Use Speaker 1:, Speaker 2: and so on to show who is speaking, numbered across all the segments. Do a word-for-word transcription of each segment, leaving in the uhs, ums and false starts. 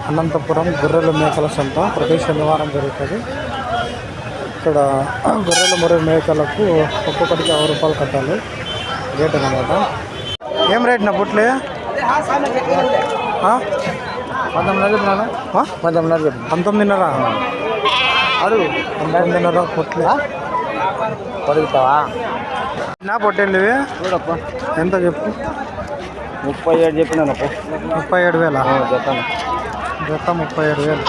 Speaker 1: అనంతపురం గొర్రెల మేకల సంత ప్రతి శనివారం జరుగుతుంది. ఇక్కడ గొర్రెల మరియు మేకలకు ఒక్కొక్కటికి యాభై రూపాయలు కట్టాలి రేట్ అన్నమాట. ఏం రేట్ నా పుట్లే?
Speaker 2: పంతొమ్మిదిన్నర పంతొమ్మిదిన్నర
Speaker 1: పంతొమ్మిదిన్నర
Speaker 2: అడుగు
Speaker 1: పంతొమ్మిదిన్నర పుట్లే
Speaker 2: పడుగుతావా
Speaker 1: నా పొట్టేళ్ళు ఇవి
Speaker 2: చూడప్ప
Speaker 1: ఎంత చెప్పు?
Speaker 2: ముప్పై ఏడు చెప్పినానప్ప.
Speaker 1: ముప్పై ఏడు వేల
Speaker 2: చెప్తాను
Speaker 1: జత ముప్పై ఏడు వేలు.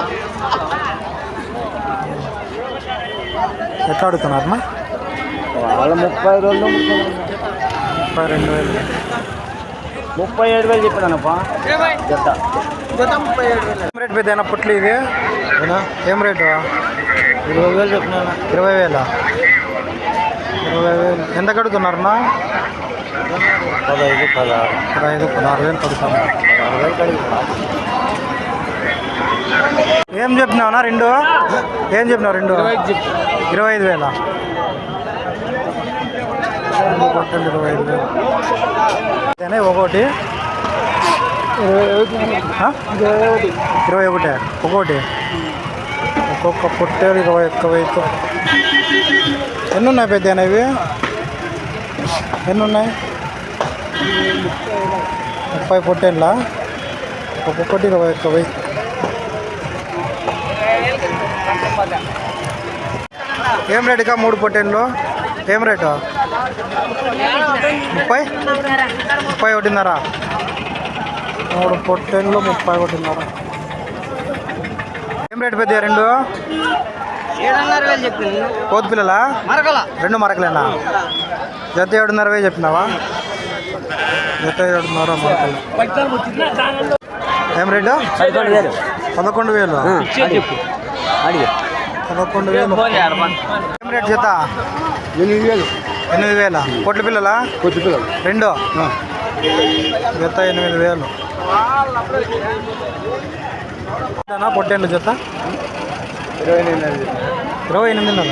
Speaker 1: ఎట్లా అడుగుతున్నారన్నా?
Speaker 2: వాళ్ళ ముప్పై రెండు
Speaker 1: ముప్పై రెండు వేలు
Speaker 2: ముప్పై ఏడు వేలు చెప్పినానప్ప జత జత ముప్పై ఏడు వేలు.
Speaker 1: ఏం రేట్ పెద్ద పుట్లు ఇది? ఏం రేటు?
Speaker 2: ఇరవై వేలు చెప్పినా.
Speaker 1: ఇరవై వేల ఇరవై వేలు ఎంత కడుగుతున్నారన్నా?
Speaker 2: పదహైదు పదహారు
Speaker 1: పదహైదు పదహారు వేలు కడుగుతున్నారు.
Speaker 2: పదహారు వేలు కడుగుతా.
Speaker 1: ఏం చెప్పినావునా రెండు? ఏం చెప్పినావు రెండు? ఇరవై ఐదు వేల పొట్టలు ఇరవై ఐదు వేలు ఒకటి ఇరవై ఒకటి ఒకటి ఒక్కొక్క పొట్టేలు ఇరవై ఒక్క వెయ్యి. ఎన్ని ఉన్నాయి పెద్ద ఇవి? ఎన్ని ఉన్నాయి? ముప్పై పొట్టేళ్ళ ఒక్కొక్కటి ఇరవై ఒక్క వెయ్యి. ఏం రేటుగా మూడు పొట్టేళ్ళు? ఏం రేటు? ముప్పై ముప్పై ఒకటిన్నర మూడు పొట్టేళ్ళు ముప్పై ఒకటిన్నర. ఏం రేటు పెద్ద రెండు?
Speaker 2: ఏడున్నర వేలు చెప్పింది.
Speaker 1: కోతి పిల్లలా?
Speaker 2: మరకల
Speaker 1: రెండు మరకలేనా? జత ఏడున్నర వేలు చెప్పినావా? జత ఏడున్నర మరకలు. ఏం రేటు?
Speaker 2: పదకొండు వేలు
Speaker 1: పదకొండు వేలు
Speaker 2: అడిగి
Speaker 1: పదకొండు వేలు. ఏం రేటు జత?
Speaker 2: ఎనిమిది వేలు
Speaker 1: ఎనిమిది వేల పొట్ల పిల్లలా?
Speaker 2: కొద్ది పిల్లలు
Speaker 1: రెండు జత ఎనిమిది వేలు. పొట్టేళ్ళు జత
Speaker 2: ఇరవై ఎనిమిది
Speaker 1: ఇరవై ఎనిమిదిన్నర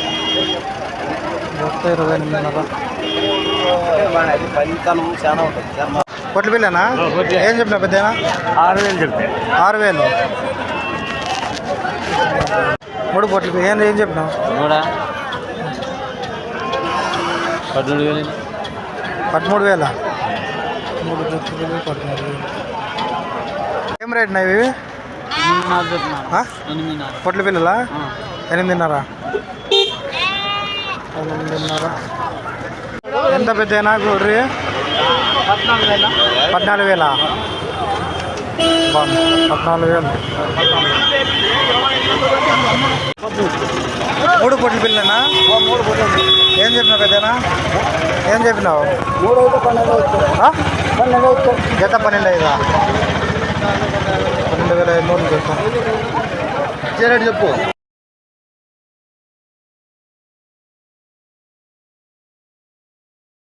Speaker 1: జత ఇరవై ఎనిమిదిన్నర.
Speaker 2: పనితనం చాలా ఉంటుంది.
Speaker 1: పొట్ల పిల్లనా? ఏం చెప్పినా పెద్ద?
Speaker 2: ఆరు వేలు చెప్తాను.
Speaker 1: ఆరు వేలు మూడు పొట్లు. ఏం ఏం చెప్పినావు?
Speaker 2: కూడా పద్మూడు వేలు
Speaker 1: పదమూడు వేల మూడు జతలు పదమూడు వేలు. ఏం రేట్ ఇవి? పొట్ల పిల్లలా? ఎనిమిదిన్నర ఎనిమిదిన్నర. ఎంత పెద్దనా గొర్రె?
Speaker 2: పద్నాలుగు వేల
Speaker 1: పద్నాలుగు వేల పద్నాలుగు వేలు. మూడు పొట్ల పిల్లనా?
Speaker 2: మూడు పొట్టు
Speaker 1: ఏం చెప్పినావు పెద్దనా? ఏం చెప్పినావు?
Speaker 2: మూడు అయితే పన్నెండు వచ్చాయి. పన్నెండు వచ్చాయి.
Speaker 1: జత పన్నెండు ఐదా? పన్నెండు వేల ఐదు నూరు జత.
Speaker 2: రేటు చెప్పు.